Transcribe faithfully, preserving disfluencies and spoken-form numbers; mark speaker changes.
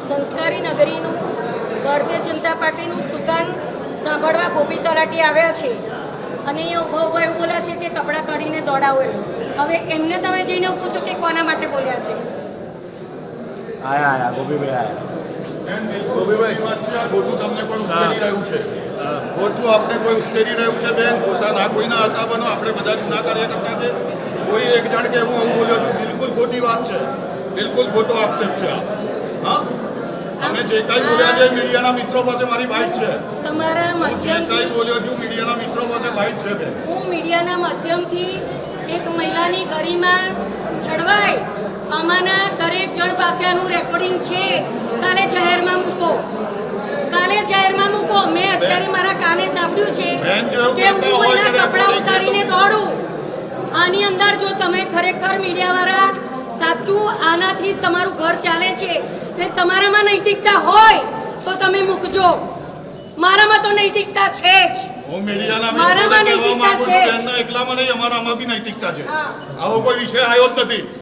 Speaker 1: સંસ્કારી નગરીનું ભારતીય જનતા પાર્ટીનું સુકાન સાંભળવા ગોપી તલાટી આવ્યા છે અને એ ઉભા ઉભા એવું બોલ્યા છે કે કપડાં કાઢીને દોડાવો એમ. હવે એમને તમે જઈને પૂછો કે કોના માટે બોલ્યા છે.
Speaker 2: આયા આયા ગોપીભાઈ આયા
Speaker 3: ગોપીભાઈ વાત છે, ખોટું તમને પણ ઉશ્કેરી રહ્યું છે. ખોટું આપણે કોઈ ઉશ્કેરી રહ્યું છે બેન. ખોટા ના કોઈના હતા બનો, આપણે બધા જ ના કાર્યકર્તા છે. કોઈ એક જણ કે હું હું બોલ્યો છું, બિલકુલ ખોટી વાત છે. બિલકુલ ખોટો આક્ષેપ છે આ. હા, તમે જે કાંઈ બોલ્યા છે મીડિયાના મિત્રો પાસે મારી બાઇટ છે.
Speaker 1: તમારા
Speaker 3: હું જે કાંઈ
Speaker 1: માધ્યમથી
Speaker 3: બોલ્યો છું મીડિયાના મિત્રો પાસે બાઇટ છે બેન.
Speaker 1: હું મીડિયાના માધ્યમથી એક મહિલાની ગરિમા જળવાય આમાંના દરેક જણ પાસે આનું રેકોર્ડિંગ છે. કાલે જાહેરમાં મૂકો, કાલે જાહેરમાં મૂકો. મેં અત્યારે મારા કાને સાંભળ્યું છે કે હું એના કપડાં ઉતારીને દોડું. આની અંદર જો તમે ખરેખર મીડિયાવાળા સાચું આનાથી તમારું ઘર ચાલે છે ને તમારામાં નૈતિકતા હોય તો તમે મૂકજો. મારામાં તો નૈતિકતા છે જ.
Speaker 3: હું મીડિયાના
Speaker 1: મારામાં
Speaker 3: મિત્રોને કહેવા
Speaker 1: નૈતિકતા
Speaker 3: માંગુ
Speaker 1: છે
Speaker 3: છું,
Speaker 1: જ.
Speaker 3: બેનના એકલામાં નહીં, અમારામાં બી નૈતિકતા છે.
Speaker 1: હા.
Speaker 3: આવો કોઈ વિષય આવ્યો જ નથી.